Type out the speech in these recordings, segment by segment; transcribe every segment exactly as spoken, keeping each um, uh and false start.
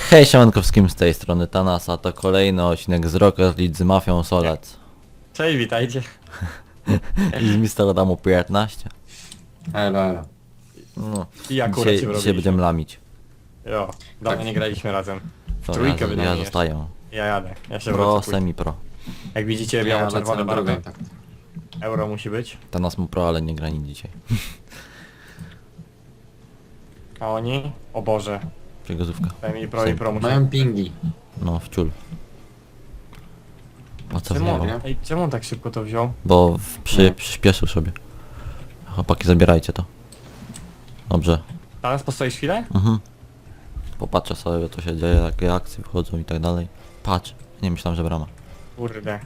Hej, siemanko z tej strony Tanas, a to kolejny odcinek z Rocket League z Mafią Solec. Cześć, witajcie. I z mister Adamu piętnaście. Elo, elo. No, I akurat dzisiaj, się dzisiaj robiliśmy. będziemy lamić. Jo, dawno nie graliśmy razem. To Trójkę ja, wydajesz. ja zostaję. Ja jadę, ja się Pro, wrócę później. semi-pro. Jak widzicie, Ja biało-czerwone lecę na barwy. drugą, tak. Euro musi być. Tanas mu pro, ale nie gra nic dzisiaj. A oni? O Boże. Przegazówka. Semi pro i pro musi. Mają pingi. No, w ciul. O co Czemu, wjechał? nie? ej, czemu on tak szybko to wziął? Bo w, przy, Nie. przyspieszył sobie. Chłopaki, zabierajcie to. Dobrze. Teraz postoisz chwilę? Mhm. Popatrzę sobie, co się dzieje, jakie akcje wchodzą i tak dalej. Patrz. Nie myślałem, że brama. Kurde.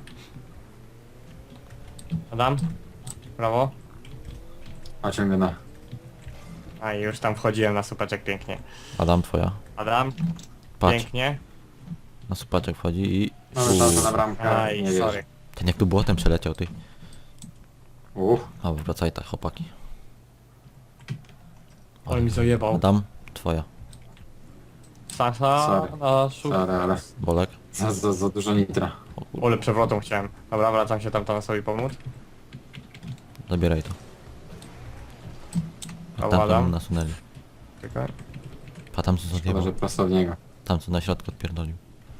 Adam? Brawo. A ciągle na. A i już tam wchodziłem na supeczek pięknie. Adam, twoja. Adam? Patrz. Pięknie. Na supaczek wchodzi i... Mamy szansę na bramkę. Aj, nie sorry. wiesz. Ten jak tu błotem przeleciał, ty. Uff. A, wracaj tak, chłopaki. Ale mi zajebał. Adam, twoja. Sasa Sorry. na szuk. Sorry, ale Bolek. za, za, za dużo nitra. O kur... Ole, przewrotą chciałem. Dobra, wracam się tam Tanasowi pomóc. Zabieraj to. A Tam Adam? tam nasunęli. Czekaj. A tam co Szkoda, zjebał. że prosto w niego. Tam co na środku odpierdolił.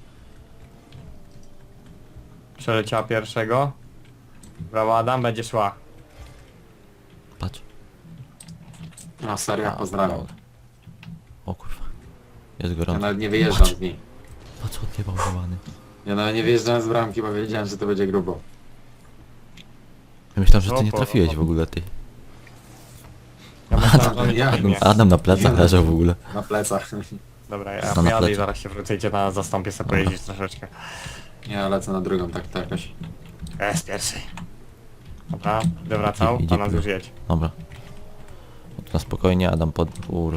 Przeleciała pierwszego. Brawo Adam, będzie szła. Patrz. No serio, A, pozdrawiam. dobra. O kurwa. Jest Ja gorąco. nawet nie wyjeżdżam z niej. Patrz, odjebał żowany. Ja nawet nie wyjeżdżałem z bramki, bo wiedziałem, że to będzie grubo. Ja myślałem, że ty nie Opo, trafiłeś opo. w ogóle, ty. Ja myślałem, że on Ja- nie pobiegnie. Adam na plecach Nie. leżał w ogóle. Na plecach. Dobra, ja To na pojadę i plecie. zaraz się wrócę, idzie na zastąpię sobie Dobra. pojeździć troszeczkę. Ja lecę na drugą, tak to jakoś. Ja z pierwszej. Dobra, będę wracał, Idzie to nas pro. już jedź. Dobra. Na spokojnie, Adam pod... Ur...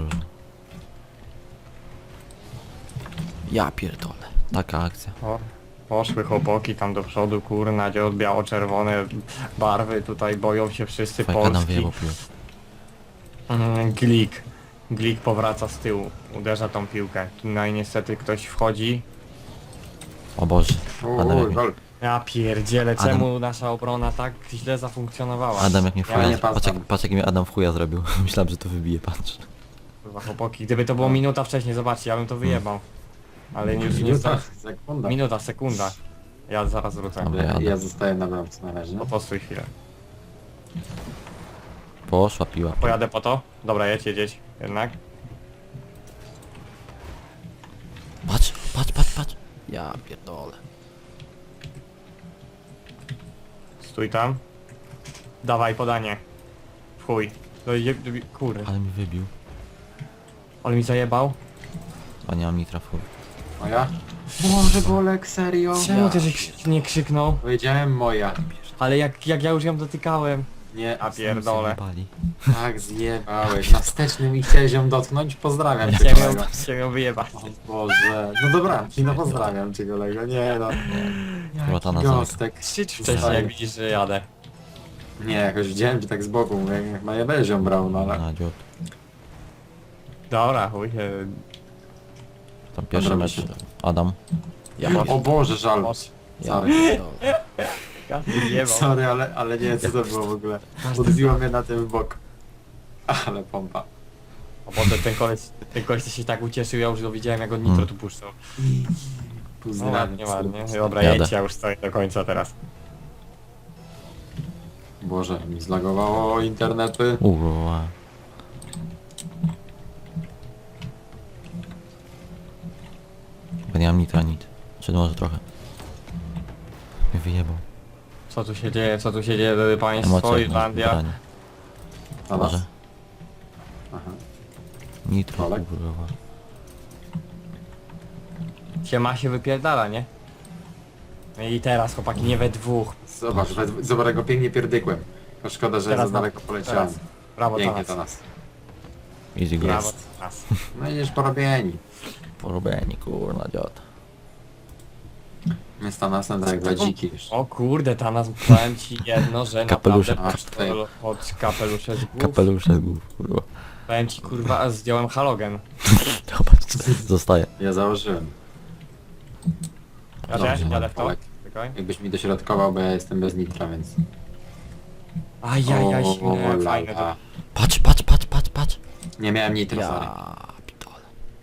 Ja pierdolę. Taka akcja. O, poszły chłopaki tam do przodu, kurna, gdzie od biało-czerwone barwy, tutaj boją się wszyscy Fajka nam Polski. wyjebał piłę. Mm, Glik. Glik powraca z tyłu, uderza tą piłkę. No i niestety ktoś wchodzi. O Boże. Adam jak Uuu, mnie, gol. Ja pierdzielę, Adam. czemu nasza obrona tak źle zafunkcjonowała? Adam jak mnie w Ja chuja... nie Patrz, jak, patrzę. patrz jak mnie Adam w chuja zrobił. Myślałem, że to wybije, patrz. Kurwa, chłopaki, gdyby to było minuta wcześniej, zobaczcie, ja bym to wyjebał. Ale już nie Minuta, sta... sekunda. Minuta, sekunda. Ja zaraz wrócę. Dobra. Ja, jadę. ja zostaję na bramce na razie. No postój chwilę. Poszła piła. Pojadę po to? Dobra, jedź, jedzieć. Jednak. Patrz, patrz, patrz, patrz. Ja pierdolę. Stój tam. Dawaj podanie. W chuj. No je... Kurde. Ale mi wybił. Ale mi zajebał. A nie mam nitra w chuj. Moja? Boże, Bolek, serio? Czemu ty żeś nie krzyknął? Powiedziałem moja. Ale jak, jak ja już ją dotykałem. Nie, A pierdolę. Zjebali. tak zjebałeś. Na wstecznym i chciałeś ją dotknąć? Pozdrawiam cię, Chciałem ją, kolego. chciałem ją wyjebać. O Boże. No dobra, no pozdrawiam cię, kolego. Nie no. Chyba ta na zamyka. Gostek. Krzycz wcześniej, jak widzisz, że jadę. Nie, jakoś widziałem cię tak z boku, mówię, jak na jebezią brał, no ale... Na dziób. Dobra, chuj. e, Tam pierwszy Dobra, mecz. myślę. Adam. Ja O Boże, żal. Moc. Ja Sorry. pierdolę. Ja wyjebał. Sorry, ale, ale nie wiem co to było w ogóle. Odbiło mnie na tym bok. Ale pompa. O Boże, ten koleś, ten koleś się tak ucieszył, ja już go widziałem, jak on nitro Mm. tu puszczał. No Pozdrawiam. ładnie, ładnie. Dobra, Jadę. jedź, ja już stoję do końca teraz. Boże, mi zlagowało internety. Uwa. Bo nie mam nitra nic. Czy może trochę. Mnie wyjebał. Co tu się dzieje, co tu się dzieje, drodzy państwo, Emocje. Irlandia. branie. A Może. was? Aha. Nitro, Olek? kurwa. Się ma się wypierdala, nie? No i teraz chłopaki, nie we dwóch. Zobacz, we- zobacz jak go pięknie pierdykłem. To szkoda, że Teraz za na- daleko poleciałem. teraz. Brawo Pięknie dla to nas. nas. Easy go. Brawo Jest. dla nas. No idziesz porobieni. Porobieni, kurna dziad. My z Tanasem tak jak dwa dziki już. O kurde, ta nas powiem ci jedno, że Kapelusze. naprawdę Aż tutaj. od kapelusze z głów. Kapelusze z głów, kurwa. Powiem ci kurwa, zdjąłem halogen. Zobacz, Zostaje. Ja założyłem. Ja Dobrze, też, jadę w to. Olek, Czekaj. jakbyś mi dośrodkował, bo ja jestem bez nitra, więc... Ajajaj, O, silne, la, fajne to. la. Patrz, patrz, patrz, patrz, patrz. Nie miałem nitra, sorry. Ja pitole.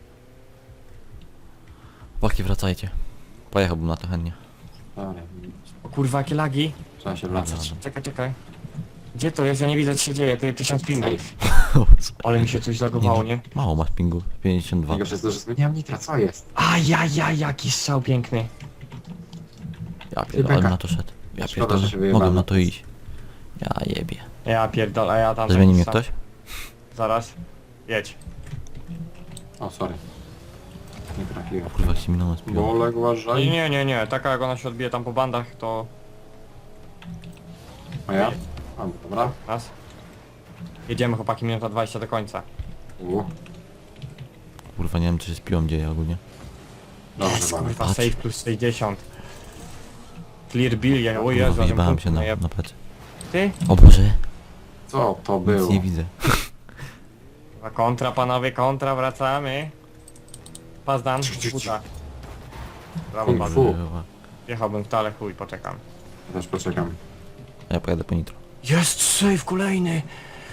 Chłopaki, wracajcie. Pojechałbym na to chętnie. Sorry. O kurwa, jakie lagi. Trzeba się wracać. Czekaj, czekaj. Gdzie to jest? Ja nie widzę, co się dzieje. To jest tysiąc pingów. Ale mi się coś zagowało, nie? Mało masz pingu, pięćdziesiąt dwa. Tylko przez to, że zmieniałem nitra, co jest? Ajajaj, jaki strzał piękny. Ja pierdolę, Beka. na to szedł. Ja Szkoda, pierdolę, że się wyjebałem. mogłem na to iść. Ja jebie. Ja pierdolę, a ja tam... Zmieni taki mnie sam. ktoś? Zaraz. Jedź. O, sorry. Nie trafiłem. Kurwa, jak się minąłem z piłą. Bolek, Nie, uważaj. nie, nie, nie. Taka jak ona się odbije tam po bandach, to... A ja? A, dobra. Raz. Jedziemy chłopaki, minuta dwadzieścia do końca. U, Kurwa, nie wiem, co się z piłą dzieje ogólnie. dobrze, Jest, Bolek. kurwa, Patrz. save plus sześćdziesiąt. Clear bill, ja, o Kurwa, Jezu, ale wyjebałem punkt się na, najeb- na plecy. Ty? O Boże, Co to nic było? nie widzę. Kurwa, kontra panowie, kontra, wracamy. Pazdan, Ciu, ciu, ciu. buta. Brawo, Kung bardzo. fu. Kurwa. Jechałbym w tale, chuj, poczekam. Też poczekam. Ja pojadę po nitro. Jest save kolejny!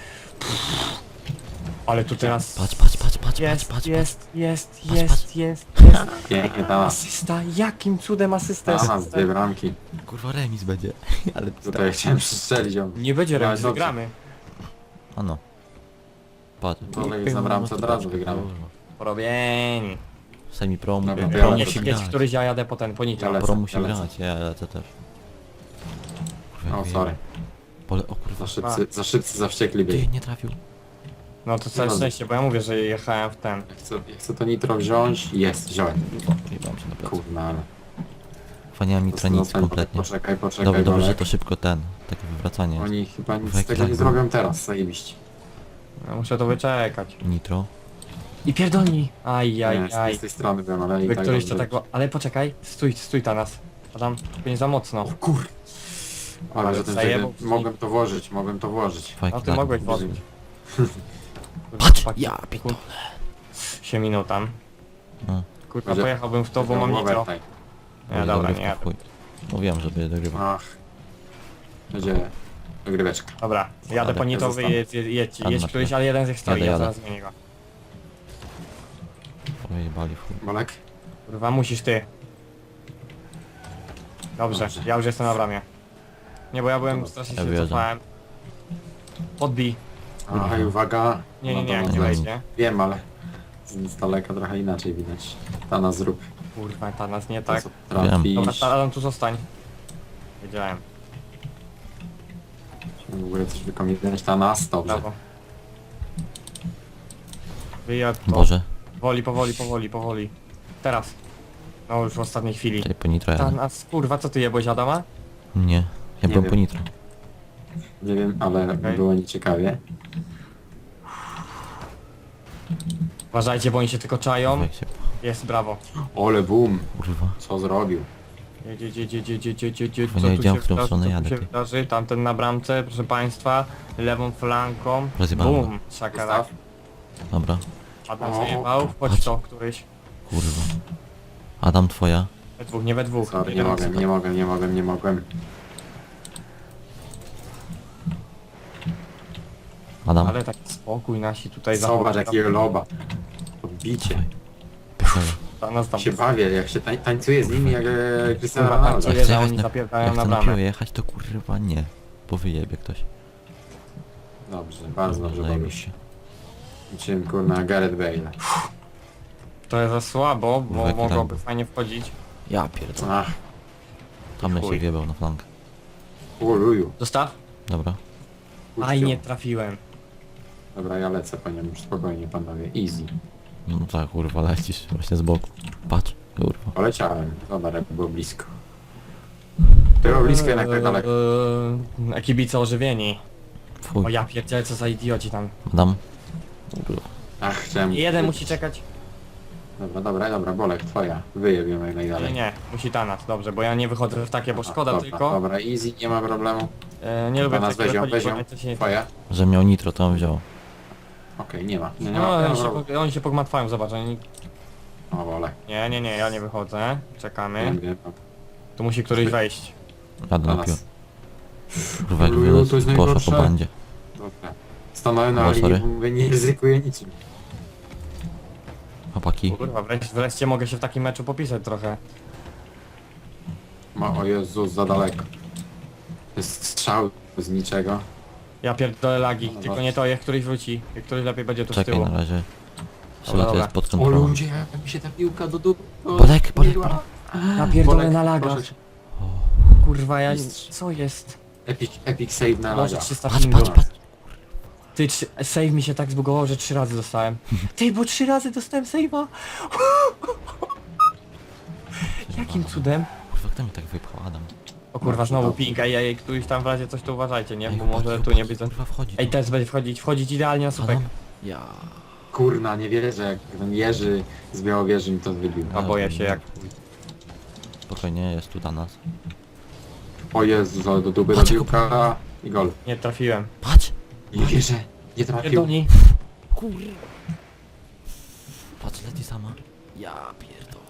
Ale tu teraz... Patrz, patrz, patrz, patrz, Jest, patrz, patrz. jest, jest, Patrz, jest, patrz. jest, jest. Pięknie ta nas. Asysta, jakim cudem asysta jest? Ta nas, dwie bramki. Kurwa, remis będzie. Ale Tutaj chciałem przestrzelić ją. Nie będzie Ale remis, dobrze. wygramy. A no. Patrz. Bolek jest na bramce, od razu wygramy. Porobieni. Semi pro, Dobra, mówię, to ja pro lecę. Niech musi się grać. któryś, ja jadę po ten, po nitro. Ja lecę. Pro musi ja lecę. grać, ja lecę też. Kurwa, O, jak sorry. Pole, o kurwa. Za szybcy, za szybcy, za wściekli Ty, byli. nie trafił. No to całe No. szczęście, bo ja mówię, że jechałem w ten. Ja chcę, ja chcę to nitro wziąć. Jest, wziąłem. Jebałem się na plecy. Kurna, ale... Fania nitra nic Zostań, kompletnie. Poczekaj, poczekaj, Dobrze, dobrze, że Bolek. to szybko ten. Takie wywracanie jest. Oni chyba nic Kurwa, z jaki tego nie lag zrobią teraz, zajebiście. No, muszę to wyczekać. Nitro. I pierdolni! Aj, Nie, aj, z, aj. z tej strony wiem, ale i Wy tak któryś to dobrze. tak... Ale poczekaj, stój, stój ta nas. Adam, tylko nie za mocno. O kur... Ale że ten Zajebał wtedy mogłem to włożyć, mogłem to włożyć. No Fajki ty lag. mogłeś włożyć. Patrz! Ja pitole. się minął tam. No. Kurwa, Że- pojechałbym w to, bo mam nitro. overtime. Nie, dobra, nie. Chuj. Mówiłem, żeby dogrywał. Ach. Będzie dogryweczka. Dobra, jadę po Jadę, nitro, wy zostanę. jedź, jedź, jedź, Jadę jedź na któryś, chwilę. ale jeden z nich stoi, Jadę, ja jadę. zaraz zmienię go. Ojej, w chuj. Bolek? Kurwa, musisz ty. Dobrze, Dobrze. ja już jestem na bramie. Nie, bo ja byłem Dobra, strasznie ja się wyjeżdżam. cofałem. Podbij. Ach, uwaga. Nie, nie, No nie, to nie nie wejdź, mam. nie? Wiem, ale z z daleka trochę inaczej widać. Ta nas zrób. Kurwa, ta nas nie To, tak. co trafisz. Dobra, ta- Adam, tu zostań. Wiedziałem, W ogóle coś wykombinować. Ta nas, dobrze. brawo. Wyjadł to. Boże. Powoli, powoli, powoli, powoli. Teraz. No już w ostatniej chwili. Czyli po nitro Ta jadę. nas, kurwa, co ty jebłeś, Adama? Nie. Ja Nie byłem wiem. po nitro. Nie wiem, ale Okej. było nieciekawie. Uważajcie, bo oni się tylko czają. Jak się... Jest, brawo. Ole boom. Kurwa. Co zrobił? Jedź, jedź, jedź, jedź, jedź, jedź, jedź, jedź, jedź. Bo Co nie tu wiedziałem, się w którą wydarzy, stronę co tu jadę, się ty. wydarzy? Tamten na bramce, proszę państwa. Lewą flanką. Rozjebałem go. Bum, szakarak. Gustaw? Dobra. Adam O. zajebał. Chodź Patrz. to, któryś. Kurwa. Adam, twoja. We dwóch, nie we dwóch. Sorry, nie Jeden mogłem, tylko. nie mogłem, nie mogłem, nie mogłem. Adam. Ale taki spokój nasi tutaj Zobacz zachowują. jakiego loba. Odbicie. Dawaj. Pierdolę. Ta nas tam. Się bawię, jak się tań, tańcuje z nimi jak e, Cristiano Kurwa, Ronaldo. tańcuje. Jak chcę że jechać oni na, zapierdają jak na chcę na bramę. piłę jechać, to kurwa nie. Bo wyjebie ktoś. Dobrze, bardzo dobrze bawisz. Zajebiście. Czym kurna Gareth Bale. To jest za słabo, bo Jaki mogłoby lag. fajnie wchodzić. Ja pierdolę. Ach, Tam bym chuj. się wjebał na flankę. uluju. Zostaw. Dobra. Aj, nie trafiłem. Dobra, ja lecę po nią, już spokojnie panowie, easy. No tak, kurwa, lecisz właśnie z boku. Patrz, kurwa. Poleciałem, zobacz jak było blisko. Było blisko jednak tak daleko. Eee, kibice ożywieni. O Fuj. ja pierdzielę, co za idioci tam. Adam. Kurwa. Ach, chciałem... Jeden musi czekać. Dobra, dobra, dobra, Bolek, twoja. Wyjebiemy jak Nie, najdalej. nie, musi Tanas, dobrze, bo ja nie wychodzę w takie, bo Aha, szkoda dobra, tylko. Dobra, easy, nie ma problemu. E, nie lubię Tanas takiego weź ją, wychodzić, weź bo ją. najczęściej nie... Twoja? Że miał nitro, to on wziął. Okej, nie ma. Nie, nie No, ma, nie ma oni, się, problemu. po- oni się pogmatwają, zobacz, oni... O, wolę. Nie, nie, nie, ja nie wychodzę. Czekamy. Nie wiem. Tu musi któryś wejść. Jadę Dla na pił. nas. Kurwa, jak Luju, to jest poszło po najgorsze. bandzie. Dobra. Stanąłem na O, linii, sorry. bo mówię, nie ryzykuję niczym. Chłopaki. Kurwa, wreszcie, wreszcie mogę się w takim meczu popisać trochę. Ma, o Jezus, za daleko. To jest strzał z niczego. Ja pierdolę lagi, No, tylko dobra. nie to, jak któryś wróci. Jak któryś lepiej będzie tu z Czekaj tyłu. na razie. Dobra, Chyba to dobra. jest pod O kontrolą. ludzie, jak mi się ta piłka do dupy... Bolek, bolek, bolek. Ja pierdolę Bolek, na lagach. proszę cię. Kurwa, ja... Mistrz. Co jest? Epic, epic save na Może laga. trzysta Patrz, pingów. patrz, patrz. Ty, trzy- save mi się tak zbugował, że trzy razy dostałem. Ty, bo trzy razy dostałem save'a. Jakim cudem? Kurwa, kto mi tak wypchał? Adam. O kurwa, znowu ping, ej, ej, któryś tam w razie coś tu uważajcie, nie? Ej, Bo chłopaki, może tu chłopaki, nie być... Kurwa, wchodzi. Ej, teraz będzie wchodzić, wchodzić idealnie na słupek. Adam. Ja. Kurna, nie wierzę, jak ten Jerzy z Białowieży mi to wybił. A boję się jak... Spokojnie, jest tu dla nas. O Jezus, ale do dupy ta Patrz, piłka i gol. Nie trafiłem. Patrz! Nie wierzę, nie trafił. Pierdolni. Kurwa. Patrz, leci sama. Ja pierdolę.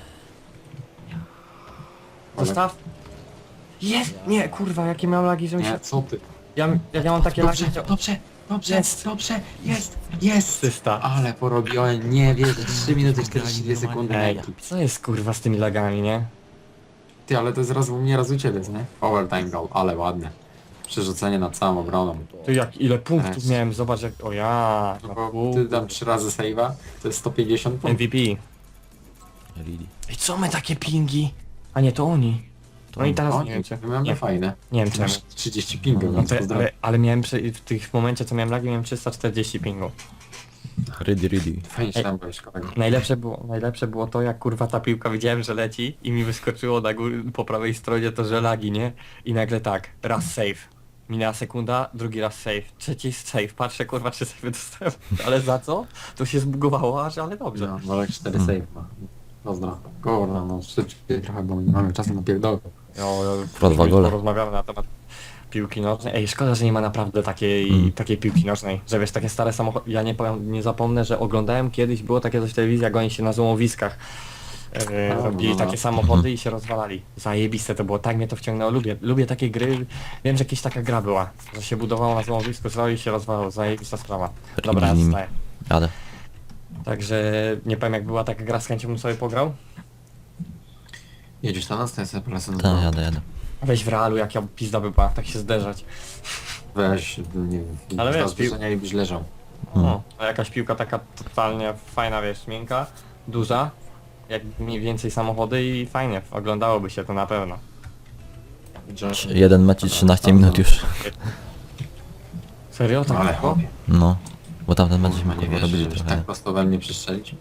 Zostaw. Jest! Nie, kurwa, jakie miałem lagi, że mi się... Nie, co ty? Ja, ja, ja mam takie lagi, Dobrze, że... dobrze, dobrze, Jest. dobrze, jest, jest! Asysta. Ale porobiłem, nie wierzę, trzy minuty czterdzieści dwie sekundy na Ej, ekip. co jest kurwa z tymi lagami, nie? Ty, ale to jest raz u mnie, raz u ciebie, nie? Overtime goal, ale ładne. Przerzucenie nad całą obroną. Ty jak, ile punktów Jest. miałem, zobacz jak... O ja... No No, bo kur- ty dam trzy razy save'a, to jest sto pięćdziesiąt punktów. M V P. Lili. Ej, co my takie pingi? A nie, to oni. No i teraz O, nie wiem czy... my mamy Nie, fajne. nie wiem czemu. Masz trzydzieści pingów, No więc to, pozdrawiam. ale, ale miałem przy, w tych momencie co miałem lagi miałem trzysta czterdzieści pingów. Ready, ready. Fajnie się Ej. tam byłeś, kolego. Najlepsze było, najlepsze było to jak kurwa ta piłka widziałem, że leci i mi wyskoczyło na gór, po prawej stronie to, że lagi, nie? I nagle tak, raz save. Minęła sekunda, drugi raz save, trzeci save. Patrzę kurwa czy save dostałem. Ale za co? To się zbugowało aż, ale dobrze. No, Bolek cztery Hmm. save ma. Pozdro. Kurwa, no szybciej trochę, bo nie mamy czasu na pierdolę. No, Pro dwa gole. Porozmawiamy na temat piłki nożnej. Ej, szkoda, że nie ma naprawdę takiej, Mm. takiej piłki nożnej. Że wiesz, takie stare samochody... Ja nie powiem, nie zapomnę, że oglądałem kiedyś, było takie coś w telewizji, jak oni się na złomowiskach e, A, robili no. takie samochody i się rozwalali. Zajebiste to było, tak mnie to wciągnęło. Lubię, lubię takie gry. Wiem, że jakaś taka gra była, że się budowało na złomowisku, zrobił i się rozwalało. Zajebista sprawa. Dobra, ja z nimi. zostaję. Jadę. Także nie powiem, jak była taka gra, z chęcią bym sobie pograł. Jedziesz na nas, to ja sobie polecę na Tak, dół. jadę, jadę. Weź w realu, jak ja pizda by była, tak się zderzać. Weź, nie wiem, Ale ale wiesz, wiesz, zbliżenia i byś leżał. Mm. No, a jakaś piłka taka totalnie fajna, wiesz, miękka, duża, jak mniej więcej samochody i fajnie, oglądałoby się to na pewno. Josh, Jeden mecz i trzynaście minut już. Serio? Tak ale szybko? chłopie, No. Bo tamten mecz kurwa, żeśmy nie kurwa wierzę, robili żebyś trochę. tak prosto we mnie przestrzelić.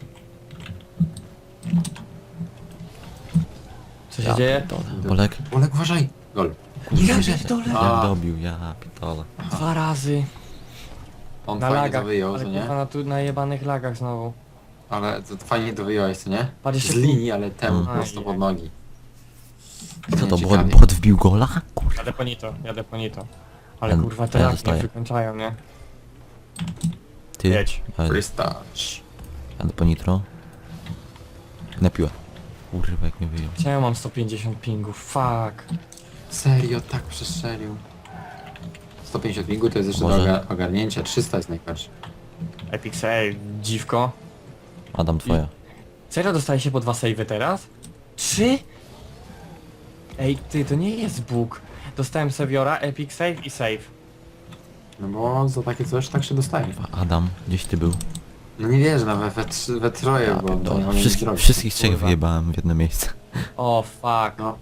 Co się Ja dzieje? pierdolę. Bolek. Bolek, uważaj! Gol. Ja wierzę. pierdolę! Jak A. dobił, ja pierdolę. Dwa razy. On Na fajnie lagach, to wyjął, ale co nie? kurwa na tu najebanych lagach znowu. Ale to fajnie to wyjąłeś, co nie? Patrz Z jeszcze- linii, ale temu Mm. prosto Aj, pod aj. nogi. Co to, Nie, bot, ciekawie. bot wbił gola? Kurwa. Jadę po nito, jadę po nito. Ale Ja- kurwa te ja lagi zostaję. nie wykończają, nie? Ty. Jedź. Jadę, Free touch. jadę po nitro. Na piłę. Kurwa, jak mnie wyjął. Czemu mam sto pięćdziesiąt pingów? Fuck. Serio, tak przestrzelił. sto pięćdziesiąt pingu to jest jeszcze do Może- oga- ogarnięcia, trzysta jest najgorsze. Epic save, dziwko. Adam, twoja. Serio dostaje się po dwa save'y teraz? Trzy? Ej, ty, to nie jest bóg. Dostałem Saviora, Epic save i save. No bo za takie coś tak się dostaje. Kurwa, Adam, gdzieś ty był? No nie wierzę, no we, we, trzy- we troje, Ja bo to nie pierdolę. mogę nic Wszystkich, zrobić. wszystkich trzech Kurwa. wyjebałem w jedno miejsce. O, fuck. No.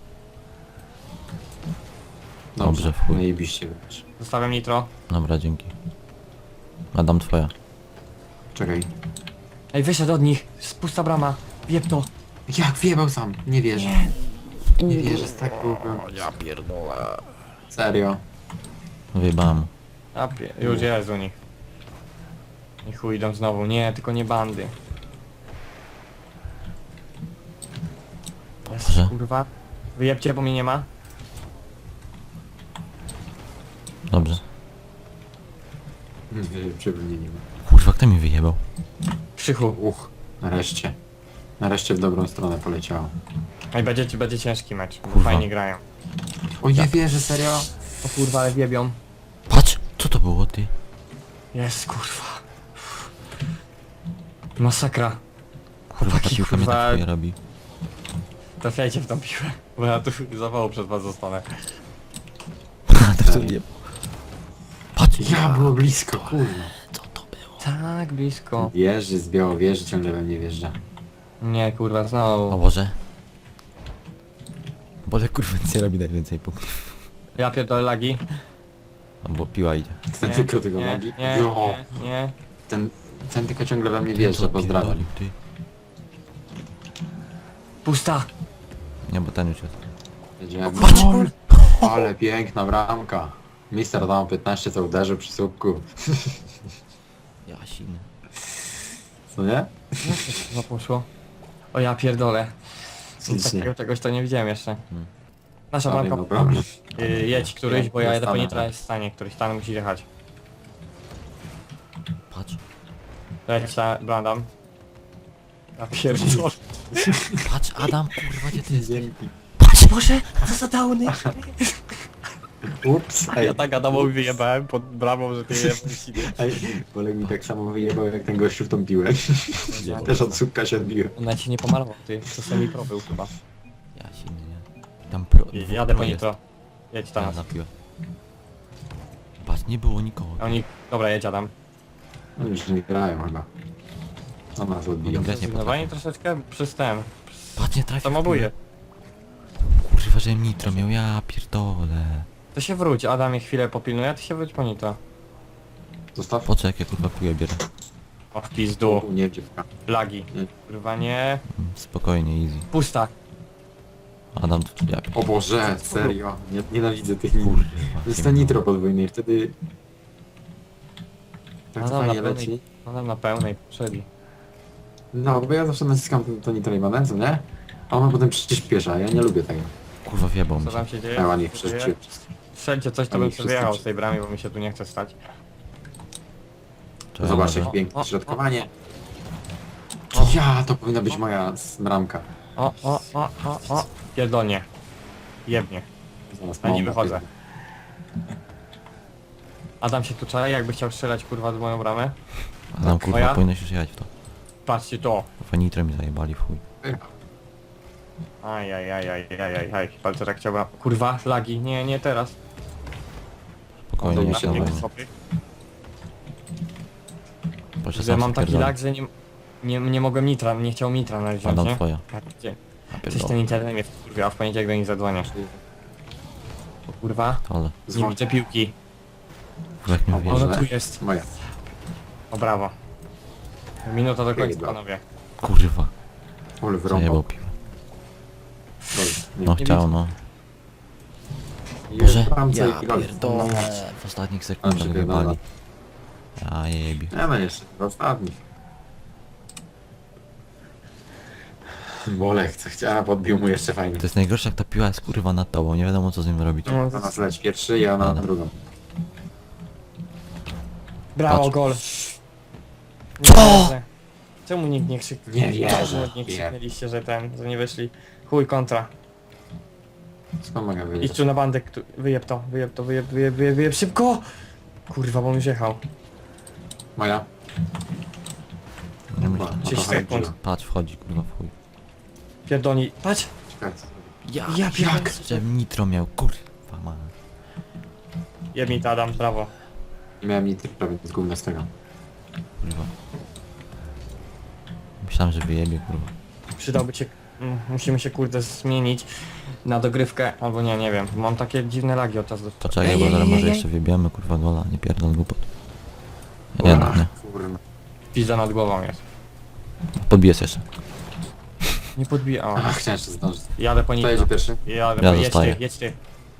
Dobrze, Dobrze, w chuj. no i biście wybacz. Zostawiam nitro. Dobra, dzięki. Adam, twoja. Czekaj. Ej, wyszedł od nich. Pusta brama. Wieb to. Jak wjebał sam? Nie wierzę. Nie. Nie wierzę, z tak byłbym. Ja pierdolę. Serio. Wyjebałem. A, pie... Już jest u nich. I chuj idą znowu. Nie, tylko nie bandy. Jest, Dobrze. kurwa. Wyjebcie, bo mnie nie ma. Dobrze. Nie wierzę, mnie nie ma. Kurwa, kto mi wyjebał? Krzychu. Uch, nareszcie. Nareszcie w dobrą stronę poleciało. Ej, będzie, będzie ciężki mecz, bo Kurwa. fajnie grają. O nie wierzę, serio? O kurwa, ale wiebią. Patrz! Co to było, ty? Jest kurwa. Masakra. Kurwa, ta Taki, piłka mnie kurwa- tak chuja robi. Trafiajcie w tą piłę, bo ja tu zawału przed was zostanę. to nie... Patrz! Ja, było blisko, kurwa. Co to było? Tak, blisko. Wieży z Białowieży ciągle we mnie wjeżdża. Nie kurwa, O znowu. Boże. Boże, kurwa, nic nie robi najwięcej punktów. Ja pierdolę lagi. No bo piła idzie. Ten Nie, tylko tego nie, nogi. nie, Jo, nie, nie. ten, ten tylko ciągle we mnie Co wjeżdża, pozdrawiam. pierdolił, ty? Pusta. Nie, bo ten już jest. Jedziemy. Patrz! Ale piękna bramka. Mister dał piętnaście, co uderzył przy słupku. Jasiny. Co nie? Co poszło? O ja pierdolę. Nic Takiego nie. czegoś to nie widziałem jeszcze. Hmm. Nasza Ale bramka. no problem. Yy, jedź któryś, bo ja Ja jadę po stanę. nitra jest w stanie, któryś tam musi jechać. Patrz. Leć ta Brandam. Ja pierdolę. Patrz, Adam, kurwa, gdzie ty jesteś? Dzięki. Patrz Boże, co za downy. Ups, ej. Ja tak Adamowi wyjebałem pod bramą, że ty jebałeś. Ej, Bolek mi tak samo wyjebał jak ten gościu w tą piłę. Też od słupka się odbiłem. Ona ci nie pomalował, ty. To semi pro był chyba. Jasiny, nie? Tam pro... dwóch Jadę po pro jest. nitro. Jedź tam. Ja na piłę. Patrz, nie było nikogo. Oni... Dobra, jedź Adam. No już nie grają chyba. Co nas odbiją? Oni grać nie Zrezygnowanie troszeczkę przez ten. Patrz, nie trafił w Samobuje. piłę. Kurwa, że nitro miał, ja pierdolę. To się wróć, Adam je chwilę popilnuje, a ty się wróć po nitro. Zostaw. Po co jak ja kurwa piłę bierę? O w pizdu. Nie, dziewka. Lagi. Nie. Kurwa nie. Mm, Spokojnie, easy. Pusta. Adam, to ja pierdolę. O Boże, serio. Nie, nienawidzę tych nitro. Kurwa. To jest ten nitro podwójny i wtedy... Tak No to dobra, fajnie pełnej- leci. Adam na pełnej potrzebie. No, bo ja zawsze naciskam to, to nitro i manewr, nie? A ona potem przyspiesza, ja nie lubię tego. Kurwa, wjebał mi Co się. tam się dzieje? A ładnie Co się dzieje? wszyscy. Strzelcie coś, to Oni bym wszyscy sobie wyjechał z przy- tej bramy, bo mi się tu nie chce stać. Czekaj, Zobacz może- jak O, piękne o, środkowanie. o. Ja, to powinna być moja s- bramka. O, o, o, o, o. Pierdolnie. Jebnie. Zaraz Ja nie mam wychodzę. napierdolę. Adam się tu czai, jakby chciał strzelać kurwa z moją bramę. Adam, kurwa, Moja? powinieneś już jechać w to. Patrzcie to. Kurwa, nitro mi zajebali w chuj. Aj, aj, aj, aj, aj, aj, aj. Palce tak chciałbym. Kurwa, lagi. Nie, nie teraz. Spokojnie, Dobra, jeszcze nie na wiem. wojnie. Sobie. Proszę Że sam mam się taki pierdolę. lag, że nie, nie, nie mogłem nitra, nie chciał mitra nawet wziąć, Adam, nie? twoja. Tak, gdzie? Ja Coś ten pierdolę. internet mnie wkurwia, a w poniedziałek do nich zadzwonię. O kurwa, Ale, nie Dzwoń. widzę piłki. kurwa, jak mi O wjeżdża. Boże. Ona tu jest. Moja. O brawo. Minuta do końca, Pierdolę. panowie. Kurwa, Ole zajebał wrąbał. piłę. Gol. Nie. No nie chciał, widzę. no. Jest Boże, bramce ja i gol. pierdolę. W ostatnich sekundach przepierdolę. wjebali. Ja jebie. Nie no jeszcze, w ostatnich. Bolek, co chciała, podbił mu jeszcze fajnie. To jest najgorsze, jak ta piła jest kurwa nad tobą, nie wiadomo co z nim robić. No, Na nas leci pierwszy, ja na Dobra. drugą. brawo, Patrz. gol. Co? wierzę. Czemu nikt nie krzyknął? Nie wierzę. Czemu nie krzyknęliście, że ten, że nie wyszli? Chuj, kontra. Skąd mogę Idź wiedzieć? tu na bandę, kto- wyjeb to, wyjeb to, wyjeb, wyjeb, wyjeb, wyjeb, szybko! Kurwa, bo on już jechał. Moja? Nie Chyba, myślę. o to trzydzieści sekund. chodziło. Patrz, wchodzi kurwa w chuj. Pierdolni, patrz! Czekaj. Ja, Ja pierdolę. jak? Że nitro miał, kurwa ma. Jeb mi to, Adam, brawo. Nie miałem nic prawie z gówna z tego. Kurwa. Myślałem, że wyjebie, kurwa. Przydałby cię, mm, musimy się kurde zmienić na dogrywkę, albo nie, nie wiem. Mam takie dziwne lagi od czasu do To czekaj, bo zaraz może jeszcze wybiemy, kurwa gola, nie pierdol głupot. Jednak nie. Kurwa. Pizda nad głową jest. Podbijesz jeszcze. Nie podbija, o. Ach, chciałem jeszcze zdążyć. Jadę po Kto nitro. jedzie pierwszy? Jadę Ja po, jedź zostaję. ty, jedź ty,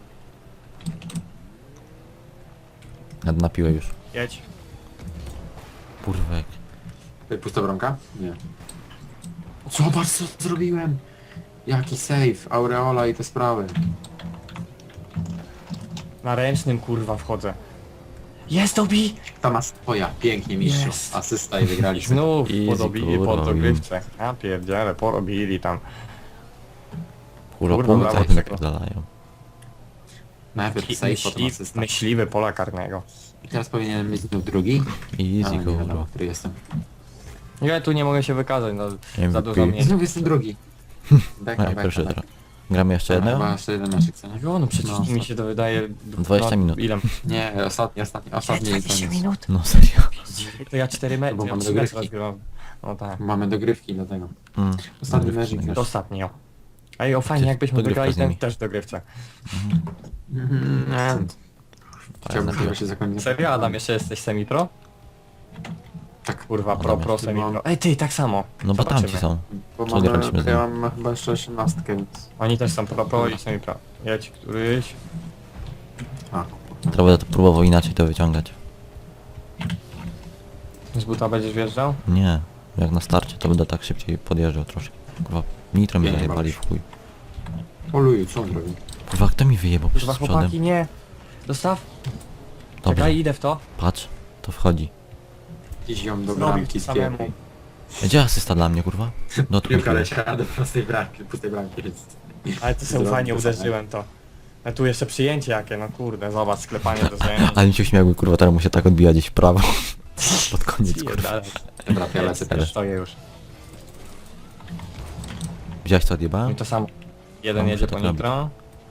Nad na piłę już. jedź. Kurwa jak. Tutaj pusta bramka? Nie. Zobacz co zrobiłem! Jaki save, aureola i te sprawy. Na ręcznym kurwa wchodzę. Jest Dobi! To ma swoja, pięknie mistrzu. Jest. Asysta i wygraliśmy. Znów Easy, podobili kurwa, pod dogrywce. Ja pierdziele, porobili tam. Kurwa, Kurwa, punkty brawo, jak mi czego? napierdalają. Najpierw save, potem Myśli, asysta. myśliwy pola karnego. I teraz powinienem być znów drugi. A, Easy, nie wiadomo, kurwa. który jestem. Ja tu nie mogę się wykazać, no M za V P. dużo mnie. Znów jestem drugi. No Beka, ja beka, pierwszy beka. teraz. Gramy jeszcze Chyba jednego? jeszcze jeden meczek, co nie? No, no przecież No, mi się to wydaje... dwadzieścia no, minut. Ile? Nie, ostatni, ostatni, ostatni jest dwadzieścia koniec. minut? No serio. To ja cztery mecze, Bo ja mam trzy mecze dogrywki. rozgrywam. No tak. Mamy dogrywki do tego. Mm. Ostatni Dobry, mecz i fajny. To ostatnio. Ej, o fajnie, Czy jakbyśmy dogrywka wygrali z nimi? ten też dogrywce. Mhm, nie. Chciałbym Fajna chyba się zakończyć. Serio, Adam, jeszcze jesteś semi-pro? Tak, Kurwa, pro, Adam pro, jeszcze semi-pro. Ej, ty, tak samo. No bo Zobaczymy. tamci są. bo Co nie mamy, walczymy z ja nim? mam chyba jeszcze osiemnastkę, więc... Oni też są pro, pro i semi-pro. Jedź któryś. A, Teraz będę to próbował inaczej to wyciągać. Z buta będziesz wjeżdżał? Nie. Jak na starcie to będę tak szybciej podjeżdżał troszkę. Kurwa, nitro mi Nie, nie zajebali bawisz. w chuj. Oluju, co on robi? Kurwa, kto mi wyjebał przez Kurwa, przodem? chłopaki, nie. Dostaw. Dobrze, Czekaj, idę w to. patrz. To wchodzi. Gdzieś ją do Zrobił bramki samemu. spiepł. Gdzie asysta dla mnie, kurwa? No to Piłka kurwa. leciała do prostej bramki, pustej bramki, więc... Ale to sobie Zrobił fajnie to samo. uderzyłem to. A tu jeszcze przyjęcie jakie, no kurde, zobacz, sklepanie do zajęcia. Ale mi się uśmiałby, kurwa, teraz mu się tak odbija gdzieś w prawo. Pod koniec, kurwa. Dobra, ja lecę Też też. stoję już. Widziałeś co I odjebałem? to samo. Jeden No, jedzie muszę po tak nitro.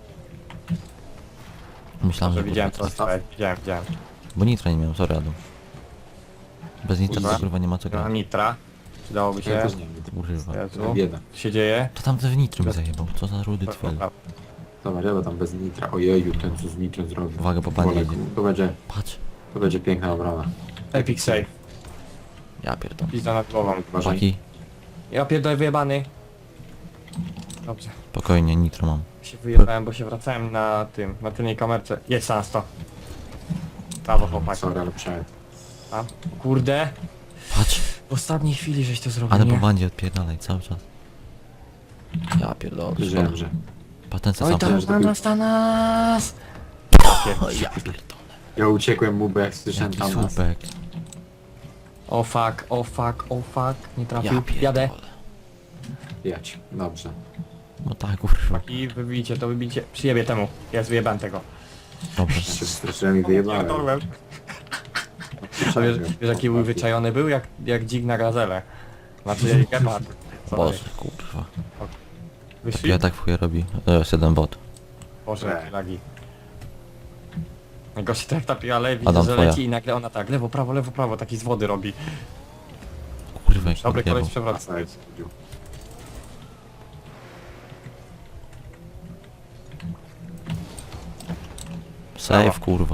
Myślałem, Może że widziałem kurwa, co stałeś, widziałem, widziałem. Bo nitro nie miałem, sorry Adam. Bez nitra Kurwa. to kurwa nie ma co No, grać. nitra. Przydałoby Ja się. też nie wiem, Kurwa. Jezu. bieda. Co się dzieje? To tam w nitro mi zajebał. Co za rudy twel. Zobacz, ja tam bez nitra. Ojeju, ten co z nitrem zrobił. Uwaga, po panie Wolek, jedzie. To będzie, Patrz. to będzie piękna obrona. Epic save. Ja pierdolę. Pizda nad głową. Uważaj. Chłopaki, Ja pierdolę wyjebany. Dobrze. spokojnie, nitro mam. Się wyjebałem, bo się wracałem na tym, na tylnej kamerce. Jest na sto. Brawo chłopaki. Sorry, ale przejdę. A, kurde. Patrz. W ostatniej chwili żeś to zrobił, Ale nie? po bandzie odpierdalaj cały czas. Ja pierdolę. Wiedziałem, że... Patence Oj sam. tam, że na to nas, na nas! Ja pierdolę. Ja uciekłem mu, bo jak słyszałem Jaki tam nas. słupek. O fuck, o fuck, o fuck. Nie Ja trafił. Jadę. pierdolę. Jać. Dobrze. No tak, kurwa. I wybijcie to, wybijcie. Przyjebie temu. Ja wyjebałem tego. Dobrze. Ja się straszyłem i wyjebałem. Pierdolłem. A wiesz, wiesz jaki był wyczajony był? Jak, jak dzik na gazelę. Znaczy gepard. Boże, kurwa. Wyszli? Ja tak w chuj robi. To jest jeden bot. Boże, Nie. jakie lagi. Najgorsze to jak ta ale widzę, Adam, że twoja. leci i nagle ona tak, lewo, prawo, lewo, prawo, taki z wody robi. Kurwa, jak Dobry odjebał. koleś przewraca. Offside. Save, kurwa.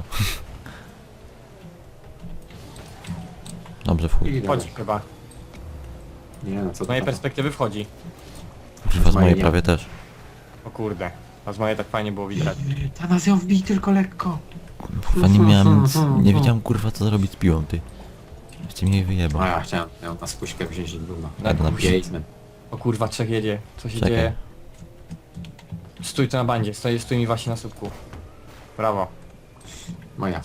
Dobrze, w chuj. I Wchodzi dobra. chyba. Nie no, co Z to mojej tam? perspektywy wchodzi. Kurwa, z mojej mojej nie. prawie też. O kurde. A z mojej tak fajnie było widać. Ta nas ją wbij tylko lekko. Kurwa, nie miałem nic, nie wiedziałem kurwa co zrobić z piłą, ty. Jeszcze mnie jej wyjebał. A ja chciałem ją na spuśkę wziąć i gówno. Tak, na przy... Basement. O kurwa, trzech jedzie. Co się Czekaj. dzieje? Stój tu na bandzie, stoi, stój mi właśnie na słupku. Brawo. Moja.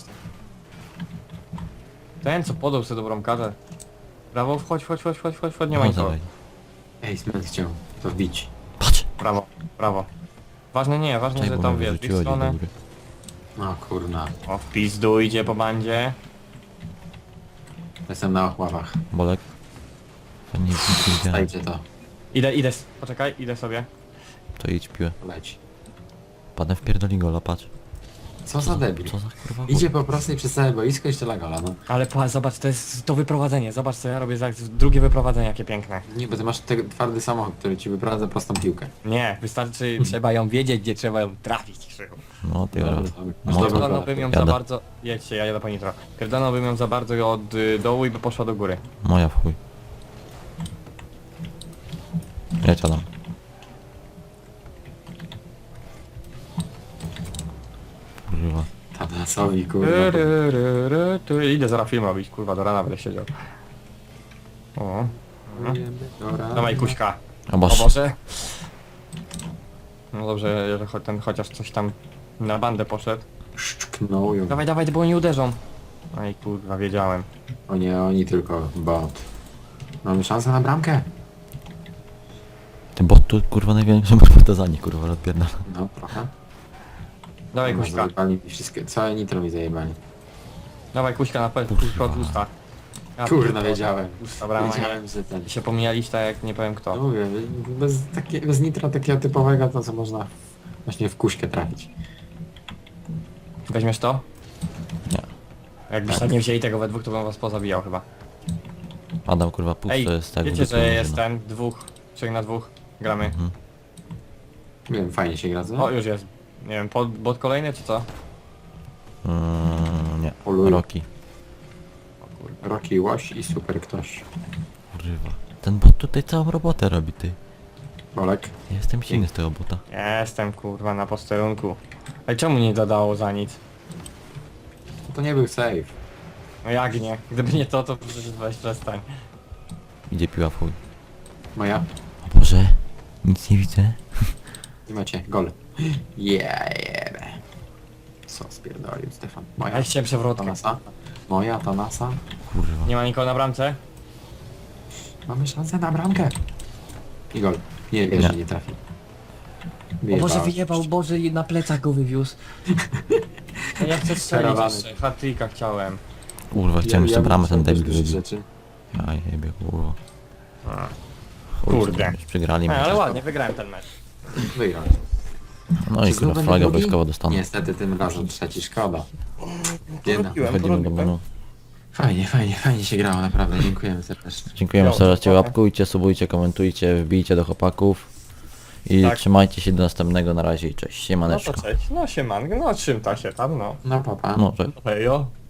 Ten co podał sobie dobrą kartę. Brawo, wchodź, wchodź, wchodź, wchodź, wchodź, wchodź, nie ma No, nikogo. dawaj. Basement chciał to wbić. Patrz! Brawo, brawo. Ważne nie, ważne, Czekaj, że bo tam mnie wiesz, w ich wyrzuciło gdzieś do stronę. góry. No kurna. O, w pizdu idzie po bandzie. Jestem na ochławach. Bolek? To nie, nic nie widziałem. Stajcie to. Idę, idę, s- poczekaj, idę sobie. To idź piłę. Leć. Padłem w pierdoli gola, patrz. Co za debil. Co za kurwa Idzie po prostu i przez całe boisko i strzela gola, no. Ale pa, zobacz, to jest to wyprowadzenie, zobacz co ja robię za drugie wyprowadzenie, jakie piękne. Nie, bo ty masz te, twardy samochód, który ci wyprowadza prostą piłkę. Nie, wystarczy, trzeba ją wiedzieć, gdzie trzeba ją trafić, Krzychu. No ty Dobra, raz. dobra. No Masz to- dobrą Pierdolnąłbym ją Jadę. za bardzo... Jedźcie, ja jadę po nitro. Pierdolnąłbym ją za bardzo od y, dołu i by poszła do góry. Moja w chuj. Jedź Adam. Kurwa. Tanasowi, kurwa. Ry, ry, ry, ry, ty. Idę zaraz film robić, kurwa, do rana będę siedział. O, Dobra. dawaj kuśka. O O Boże. Boże. No dobrze, że cho- ten chociaż coś tam na bandę poszedł. Szczknął ją. Dawaj, dawaj, bo oni uderzą. No i kurwa, wiedziałem. O nie, oni tylko bot. Mamy szansę na bramkę? Ten bot tu kurwa największym partyzanie kurwa odpierdala. No, trochę. Dawaj No, kuśka, zajebali mi wszystkie, całe nitro mi zajebali. dawaj kuśka na pewno, kuśka od usta. Ja Kurna, pierdolę. wiedziałem. Usta brama, nie? Wiedziałem, że ten... Się pomijaliście tak jak nie powiem No kto. mówię, bez, takie, bez nitra takiego typowego, to co można właśnie w kuśkę trafić. Weźmiesz to? Nie. Jakbyście tak nie wzięli tego we dwóch, to bym was pozabijał chyba. Adam kurwa pusto Ej, jest tak. wiecie, w dupie że można. jest ten, dwóch, trzech na dwóch, gramy. Mhm. Nie wiem, fajnie się gra, co? O, już jest. Nie wiem, pod, bot kolejny czy co? Mm, nie. Poluj. Roki. O kurde. Rocky Łoś i super ktoś. Kurwa. Ten bot tutaj całą robotę robi ty. Bolek. Ja jestem silny z tego bota. Jestem kurwa na posterunku. Ej, czemu nie dodało za nic? To nie był save. No jak nie? Gdyby nie to, to przecież weź przestań. Idzie piła w chuj. Moja. O Boże. Nic nie widzę. I macie, gol. Yeah, yeah. Co spierdolił Stefan? Moja. Ja chciałem przewrotkę. Tanasa. Moja, Tanasa. Kurwa. Nie ma nikogo na bramce? Mamy szansę na bramkę. I gol. Nie, wiesz, Nie. że nie trafi. O Boże, wyjebał, Boże, na plecach go wywiózł. No ja chcę strzelić Karawany. jeszcze. Hat-tricka chciałem. Kurwa, chciałem jeszcze bramę ten debil wybił. wybił. rzeczy. Ja jebie kurwa. A. Chuj, Kurde. Już przegrali Ej, ale mecz. ładnie, wygrałem ten mecz. Wygrał. No i Czy znów kurwa będę flaga drugi? wojskowa dostaną. Niestety tym razem trzeci, szkoda. Jedna. Wchodzimy do menu. Fajnie, fajnie, fajnie się grało, naprawdę. Dziękujemy serdecznie. Dziękujemy Jo, serdecznie, dokładnie. łapkujcie, subujcie, komentujcie, wbijcie do chłopaków. I Tak. trzymajcie się do następnego, na razie i cześć, No siemaneczko. to cześć. No siemanko, no czym ta się tam, no. No papa. No, cześć. Hejo.